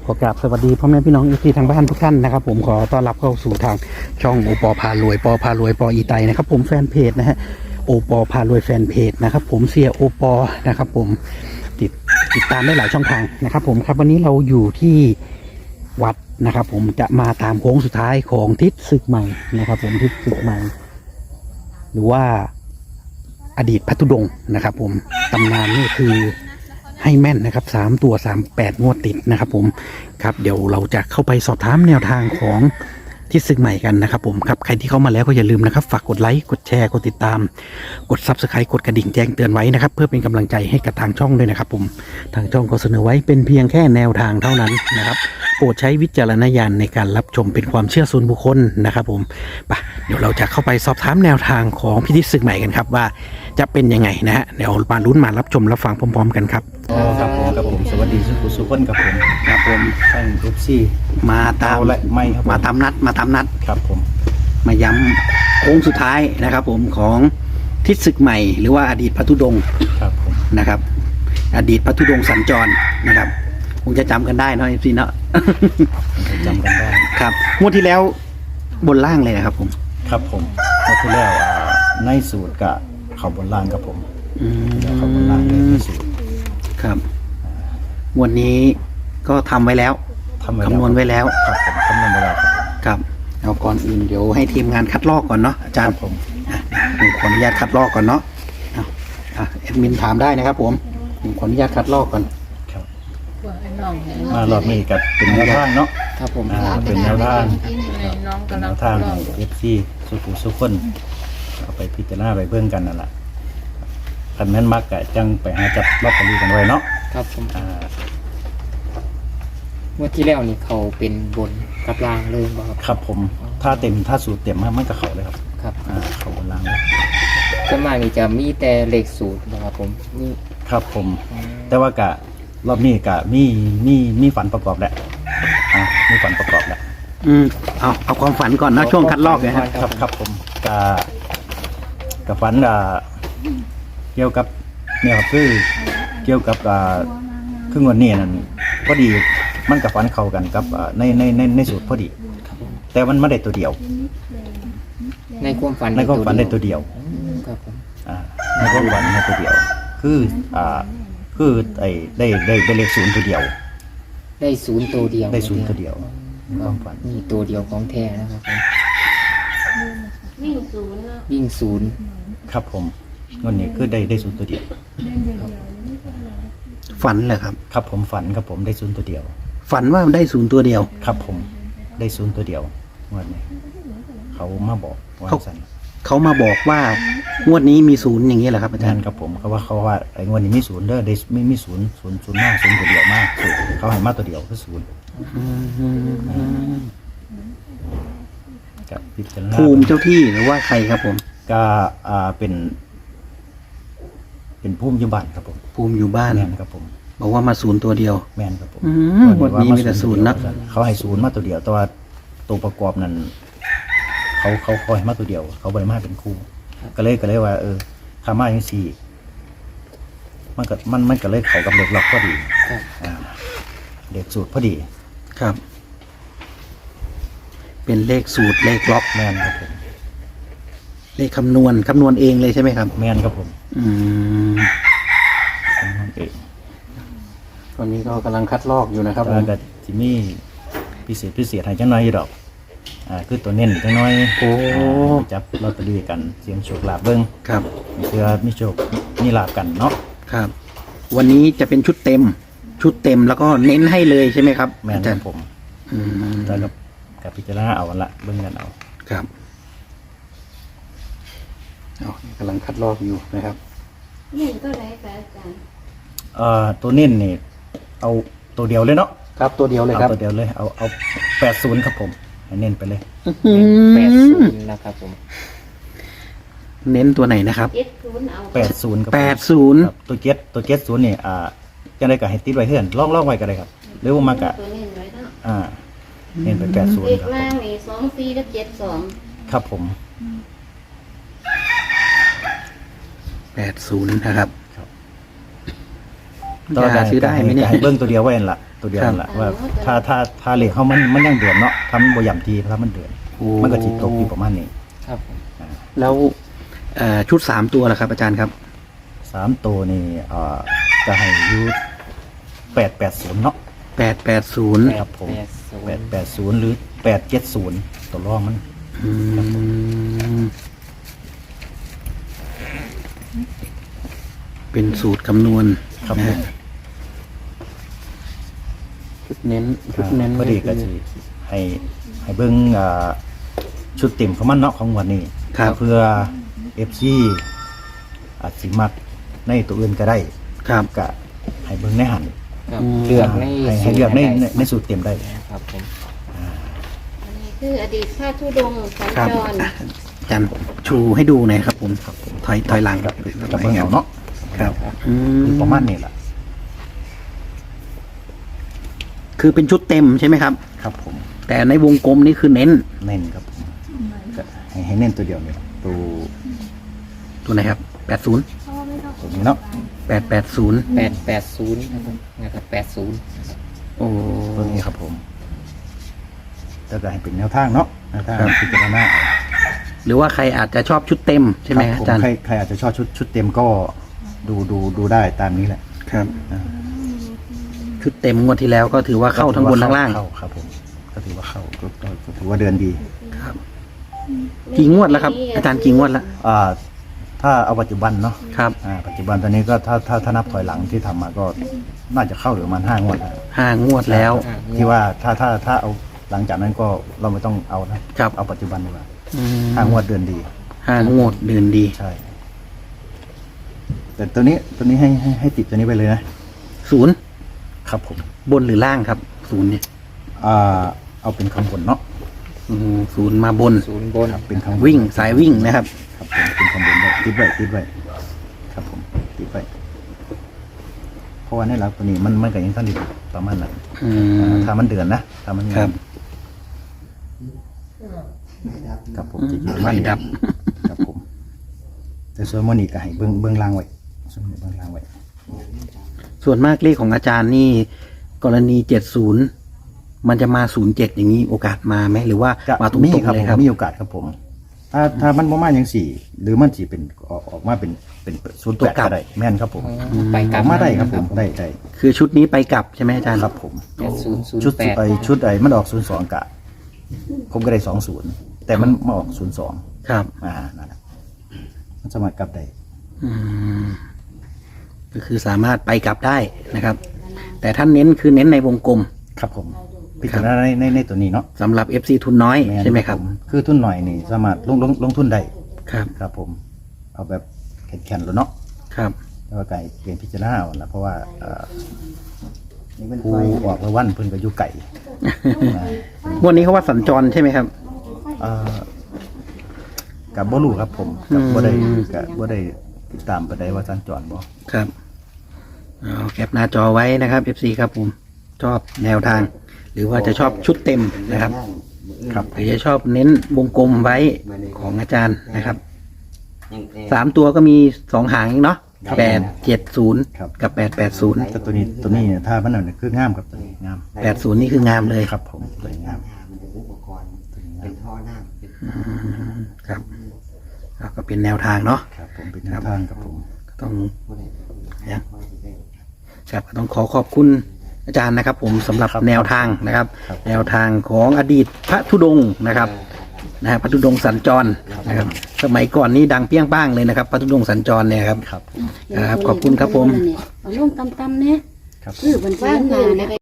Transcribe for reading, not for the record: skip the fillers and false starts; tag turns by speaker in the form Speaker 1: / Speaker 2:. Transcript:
Speaker 1: ขอกราบสวัสดีพ่อแม่พี่น้องที่ทางบ้านทุกท่านนะครับผมขอต้อนรับเข้าสู่ทางช่องโอปอพารวยปอพารวยปออีไตนะครับผมแฟนเพจนะฮะโอปอพารวยแฟนเพจนะครับผมเสียโอปอนะครับผมติดตามได้หลายช่องทางนะครับผมครับวันนี้เราอยู่ที่วัดนะครับผมจะมาตามโค้งสุดท้ายของทิศศึกใหม่นะครับผมทิศศึกใหม่หรือว่าอดีตพัทุดงค์นะครับผมตำนานนี่คือให้แม่นนะครับ3 ตัว 38 งวดติดนะครับผมครับเดี๋ยวเราจะเข้าไปสอบถามแนวทางของทิศศึกใหม่กันนะครับผมครับใครที่เข้ามาแล้วก็อย่าลืมนะครับฝากกดไลค์กดแชร์กดติดตามกด Subscribe กดกระดิ่งแจ้งเตือนไว้นะครับเพื่อเป็นกำลังใจให้กับทางช่องด้วยนะครับผมทางช่องก็เสนอไว้เป็นเพียงแค่แนวทางเท่านั้นนะครับโปรดใช้วิจารณญาณในการรับชมเป็นความเชื่อส่วนบุคคลนะครับผมไปเดี๋ยวเราจะเข้าไปสอบถามแนวทางของพิธีศึกใหม่กันครับว่าจะเป็นยังไงนะฮะเดี๋ยวมาลุ้นมารับชมรับฟังพร้อมๆกันครับ
Speaker 2: ครับผมสวัสดีสุขุนกับผม
Speaker 1: ครับผม
Speaker 2: ท่านเอฟซี
Speaker 1: มาตาม
Speaker 2: และไม่ครับ
Speaker 1: มาตามนัด
Speaker 2: ครับผม
Speaker 1: มาย้ำโค้งสุดท้ายนะครับผมของทิศศึกใหม่หรือว่าอดีตพัทุดงค์
Speaker 2: ครับผม
Speaker 1: นะครับอดีตพัทุดงค์สัญจรนะครับคงจะจำกันได้เนาะเอฟซีเนาะ
Speaker 2: จำกันได้
Speaker 1: ครับงวดที่แล้วบนล่างเลยนะครับผม
Speaker 2: ครับผมเมื่อที่แล้วในสูตรกับเขาบนล่างครับผม
Speaker 1: อืม
Speaker 2: เขาบนล่างเลยในสูตร
Speaker 1: ครับงวดนี้ก็ทำไว้แล้ว
Speaker 2: ทำไว้
Speaker 1: คำนวณไว้แล้ว
Speaker 2: ครับผมคำนวณไว้แล้วครับ
Speaker 1: ครับเอาก่อนอื่นเดี๋ยวให้ทีมงานคัดลอกก่อนเนาะอาจารย์
Speaker 2: ผม
Speaker 1: ผมขออนุญาตคัดลอกก่อนเนาะแอดมินถามได้นะครับผมขออนุญาตคัดลอกก่อน
Speaker 2: ครับมารอบนี้กับเป็นแนวทางเนาะ
Speaker 1: ครับผม
Speaker 2: เป็นแนวทาง
Speaker 3: น้อง
Speaker 2: เป็น
Speaker 3: กำ
Speaker 2: แน
Speaker 3: ลัง
Speaker 2: วทางเอฟซีสุขุนเอาไปพิจารณาไปเบิ่งกันนั่นแหละคันแม่นมักกะจังไปหาจับลอตเตอรี่กันไว้เนาะ
Speaker 4: ครับผม
Speaker 2: อ่า
Speaker 4: เมื่อที่แล้วนี่เขาเป็นบนกับล่างเลยบ่ครับ
Speaker 2: ครับผมถ้าสูตรเต็มมันก็เขาเลยครับ
Speaker 4: ครับ
Speaker 2: เขาบนล่างเลย
Speaker 4: ส่วนมากนี่จะมีแต่เลขสูตรบ่ครับผมนี่
Speaker 2: ครับผม แต่ว่ากะรอบนี้กะมีฝันประกอบแหละมีฝันประกอบแหละ
Speaker 1: เอาความฝันก่อนนะช่วงคัดลอกเลยครับ
Speaker 2: ครับผมกะฝันเกี่ยวกับเนี่ยครับคือเกี่ยวกับครึ่งวันนี้นั่นพอดีมันกับฝันเข้ากันกับในสูตรพอดี
Speaker 4: ครับผม
Speaker 2: แต่มันไม่ได้ตัวเดียว
Speaker 4: ในความฝัน
Speaker 2: ในความฝันได้ตัวเดียว
Speaker 4: ครับผม
Speaker 2: ในความฝันได้ตัวเดียว คือไอ้ได้เลขศูนย์ตัวเดียว
Speaker 4: ได้ศูนย์ตัวเดียว
Speaker 2: ได้ศูนย์ตัวเดียวในความฝัน
Speaker 4: นี่ตัวเดียวของแท้นะครับผม
Speaker 3: วิ่งศูนย์เนาะ
Speaker 4: วิ่งศูนย์
Speaker 2: ครับผมวันนี้คือได้ศูนย์ตัวเดียว
Speaker 1: ฝันเหรอครับ
Speaker 2: ครับผมฝันครับผมได้ศูนย์ตัวเดียว
Speaker 1: ฝันว่าได้ศูนย์ตัวเดียว
Speaker 2: ครับผมได้ศูนย์ตัวเดียววันนี้เขามาบอกว่าสัน
Speaker 1: เขามาบอกว่างวดนี้มีศูนย์อย่างนี้เหรอครับอาจาร
Speaker 2: นั่น
Speaker 1: ย์
Speaker 2: ครับผมเขาว่าไอ้งวดนี้มีศูนย์เด้อได้ไม่มีศูนย์มากศูนย์ตัวเดียวมากศูนย์เขาให้มาตัวเดียวคือศูนย์กับพิจารณา
Speaker 1: ภูมิเจ้าที่หรือว่าใครครับผม
Speaker 2: ก็เป็นภูมิยุบันครับผม
Speaker 1: ภูมิอยู่บ้าน
Speaker 2: แมนครับผม
Speaker 1: บอกว่ามาศูนย์ตัวเดียว
Speaker 2: แมนครับผม
Speaker 1: งวดนี้มีแต่ศูนย์นะ
Speaker 2: เขาให้ศูนย์มาตัวเดียวแต่ว่าตัวประกอบนั้นเขาให้มาตัวเดียว เขาบริมาเป็นคู่ก็เลยว่าข้ามาอย่างสี่มันก็เลยเขากับเด็กล็อกพอดี
Speaker 4: ครับ
Speaker 2: เด็กสูตรพอดี
Speaker 1: ครับ เป็นเลขสูตรเลขล็อก
Speaker 2: แมนครับผม
Speaker 1: เลขคำนวณเองเลยใช่ไหมครับ
Speaker 2: แมนครับผม
Speaker 1: อืม
Speaker 2: นั่นเอง
Speaker 1: ตอนนี้ก็กำลังคัดลอกอยู่นะครับผม
Speaker 2: แล้วก็จิมีพิเศษให้จังน้อยอยู่ดอกคือตัวเน้นจังน้อยจับลอตเตอรี่กันเสียงโชคลาภเบิ้ง
Speaker 1: ครับ
Speaker 2: เพื่อมีโชคมีลาภกันเนาะ
Speaker 1: ครับ วันนี้จะเป็นชุดเต็มแล้วก็เน้นให้เลยใช่ไหมครับ
Speaker 2: แมน
Speaker 1: อา
Speaker 2: ค
Speaker 1: จา
Speaker 2: รั
Speaker 1: ร
Speaker 2: บ
Speaker 1: ย์
Speaker 2: ผม
Speaker 1: อืม
Speaker 2: แต่กับพิจารณาเอาละเบิ้งกันเอา
Speaker 1: ครับกำลังคัดลอกอยู่นะครับ
Speaker 3: วิ่งก็ไรแต่อาจารย์
Speaker 2: ตัวเน้นนี่เอาตัวเดียวเลยเนาะ
Speaker 1: ครับตัวเดียวเลย
Speaker 2: เอา
Speaker 1: ครับ
Speaker 2: ตัวเดียวเลยเอา80ครับผมให้เน้นไปเลย
Speaker 4: 80นะครับผม
Speaker 1: เน้นตัวไหนนะครับ
Speaker 3: เจ็ดศูนย์เอา
Speaker 2: 80ครับผม
Speaker 1: 80
Speaker 2: ครับตัวเก็ตศูนย์นี่จะได้กับให้ติดไว้เพื่อนล่องไว้ก็ได้ครับหรือว่ามากะ
Speaker 3: ตัวนี้ไว้เนาะ
Speaker 2: เน้นไป80
Speaker 3: เล
Speaker 2: ค
Speaker 3: ข
Speaker 2: รับ
Speaker 3: ล่างนี่24กับ72
Speaker 2: ครับผม
Speaker 1: 80นะครับ
Speaker 2: ครับ
Speaker 1: จะหาซื้อได้ไหมเนี่ย
Speaker 2: ให้เบิ้งตัวเดียวไว้นั่นล่ะตัวเดียวนั่นแหละว่าถ้าเหล็กเขามันยังเดือนเนาะทำบ่ย่ำทีถ้ามันเดือนมันก็จิตตกอยู่ประมาณนี้
Speaker 4: ครับผม
Speaker 1: แล้วชุด3ตัวล่ะครับอาจารย์ครับ
Speaker 2: 3ตัวนี่จะให้อยู่880เนาะ
Speaker 1: 880
Speaker 2: ครับผม
Speaker 4: 880
Speaker 2: 880หรือ870ตัวรองมัน
Speaker 1: อืมเป็นสูตรคำนวณ
Speaker 2: ครับผม
Speaker 1: ชุดเน้นชุดเน้น
Speaker 2: ก็ดีก็สิให้เบิ่งชุดเต็มของมันเนาะของงวันนี้
Speaker 1: ครับ
Speaker 2: เพื่อ FC อาจสิมักในตัวอื่นก็ได้
Speaker 1: ครับ
Speaker 2: ก็ให้เบิ่งในหัน
Speaker 4: ครับเลือกใน
Speaker 2: ให้เลือกใน
Speaker 4: สูตร
Speaker 2: ในสูตรเต็มได้
Speaker 4: ครับผม
Speaker 3: อันนี้คืออดีตพระธุดงค์สัญ
Speaker 1: ครับ
Speaker 3: จร
Speaker 1: อาจารย์ชูให้ดูหน่อยครับผมถอยหลังครับ
Speaker 2: กับเบิ่งเอาเนาะ
Speaker 1: ครับอื
Speaker 2: ประมาณนี้แหละ
Speaker 1: คือเป็นชุดเต็มใช่ไหมครับ
Speaker 2: ครับผม
Speaker 1: แต่ในวงกลมนี่คือเน้น
Speaker 2: เน้นครับผมก็ให้เน้นตัวเดียวเนี่ยตัว
Speaker 1: ตัวไหนครับ80
Speaker 2: ตัวนี้เนาะ
Speaker 1: 880
Speaker 4: 880นะครับ80นะครับ
Speaker 1: โอ้
Speaker 2: ตัวนี้ครับผมแล้วก็ให้เป็นแนวทางเนาะแนวทางพิจารณาเอา
Speaker 1: หรือว่าใครอาจจะชอบชุดเต็มใช่ไหม
Speaker 2: ครับ
Speaker 1: อาจารย์
Speaker 2: ใครอาจจะชอบชุดเต็มก็ดูได้ตามนี้แหละ
Speaker 1: ครับ
Speaker 2: อ่า
Speaker 1: ชุดเต็มงวดที่แล้วก็ถือว่าเข้าทั้งบนทั้งล่าง
Speaker 2: เข้าครับผมก็ถือว่าเข้าก็ถือว่าเดินดี
Speaker 1: ครับกี่งวดแล้วครับ อาจารย์กี่งวดแล้ว
Speaker 2: ถ้าเอาปัจจุบันเนาะ
Speaker 1: ครับ
Speaker 2: ปัจจุบันตอนนี้ก็ถ้านับถอยหลังที่ทำมาก็น่าจะเข้าหรือประมาณ5 งวดแล้ว
Speaker 1: 5 งวดแล้ว
Speaker 2: ที่ว่าถ้าเอาหลังจากนั้นก็เราไม่ต้องเอานะครับ เอาปัจจุบันดีกว่า
Speaker 1: อืม
Speaker 2: 5 งวดเดือนดี
Speaker 1: 5 งวดเดือนดี
Speaker 2: ใช่ แต่ตัวนี้ให้ติดตัวนี้ไปเลยนะ
Speaker 1: 0
Speaker 2: ครับผม
Speaker 1: บนหรือล่างครับ0เนี่ย
Speaker 2: เอาเป็นคำบนเนาะ
Speaker 1: 0มาบน
Speaker 4: ศูนย์บน
Speaker 2: ครับเป็นคำบน
Speaker 1: วิ่งสายวิ่งนะครับ
Speaker 2: ครับผมเป็นคำบนได้ติดไว้ครับผมติดไว้เพราะว่าในหลักตัวนี้มันก็ยังท่านดีประมาณนั้น
Speaker 1: อืม
Speaker 2: ถ้ามันเดือนนะถ้ามัน
Speaker 1: ครับ
Speaker 2: ครับผม
Speaker 1: ไฟดับ
Speaker 2: ครับผมแต่ส่วนมันนี่ก็ให้เบื้องล่างไว้ส่วนเบื้องล่างไว้
Speaker 1: ส่วนมากเลขของอาจารย์นี่กรณี70มันจะมา07อย่างนี้โอกาสมาไหมหรือว่า
Speaker 2: จะ
Speaker 1: มาตรง
Speaker 2: มี
Speaker 1: ๆ
Speaker 2: ครับ
Speaker 1: เลย
Speaker 2: ผม
Speaker 1: ครับ
Speaker 2: มีโอกาสครับผม ถ้ามันประมาณอย่างสี่ หรือมันจีเป็นออกมาเป็น08ก็ได้แม่นครับผม
Speaker 4: ไปก
Speaker 2: อ
Speaker 4: ลั
Speaker 2: อบ กมาได้ครับผมได้
Speaker 1: คือชุดนี้ไปกลับใช่ไหมอาจารย์
Speaker 2: ครับผม
Speaker 4: 80
Speaker 2: ชุด
Speaker 4: 08
Speaker 2: ชุดมันออก02กะผมก็ได้20แต่มันมาออก02
Speaker 1: ครับ
Speaker 2: นั่นแหละมันสามารถกลับได้
Speaker 1: อืมก็คือสามารถไปกลับได้นะครับ แต่ท่านเน้นคือเน้นในวงกลม
Speaker 2: ครับผมพิจารณาในตัวนี้เนาะ
Speaker 1: สำหรับ FC ทุนน้อยใช่ไหมครับ
Speaker 2: ผคือทุนหน่อยนี่สามารถลงทุนได้
Speaker 1: ครับ
Speaker 2: ครับผม เอาแบบแข็งๆแล้วเนาะ
Speaker 1: ครับ
Speaker 2: แล้วก็ไก่เปลี่ยนพิจารณาเอาละเพราะว่าผู้ออกรางวัลเพิ่นก็อยู่ไก่
Speaker 1: งวันนี้เขาว่าสัญจรใช่ไหมครับ
Speaker 2: กับบ่รู้ครับผมกับบ่ได้ติดตามไปได้ว่าสัญจรบ่
Speaker 1: ครับเอาแคปหน้าจอไว้นะครับ FC ครับผมชอบแนวทาง หรือว่าจะชอบชุดเต็มนะครับ
Speaker 2: ครับ
Speaker 1: หรือจะชอบเน้นวงกลมไว้ของอาจารย์นะครับ3 ตัวก็มี2 หางเองเนาะ870กับ880
Speaker 2: แต่ตัวนี้เนี่ยถ้ามันนั่นคืองามครับตัวนี้งาม
Speaker 1: 80นี่คืองามเลย
Speaker 2: ครับผมตัวนี้งาม
Speaker 5: เป็นท่อน้ำเป็น
Speaker 1: ครับก็เป็นแนวทางเนาะ
Speaker 2: ครับผมเป็นแนวทางครับผม
Speaker 1: ก็ต้อง
Speaker 5: ผู้ใด
Speaker 1: เนี่ยครับก็ต้องขอบคุณอาจารย์นะครับ ผมสำหรับแนวทางนะครับ แนวทางของอดีตพระธุดงค์นะครับพระธุดงค์สัญจรนะครับ สมัยก่อนนี่ดังเปี้ยงป้างเลยนะครับพระธุดงค์สัญจรเนี่ยครับ
Speaker 2: ครับ
Speaker 1: ครับขอบคุณครับผม
Speaker 3: เอาลงตำๆเนี่ย
Speaker 2: ครับ
Speaker 3: คือมันฟ้าหนา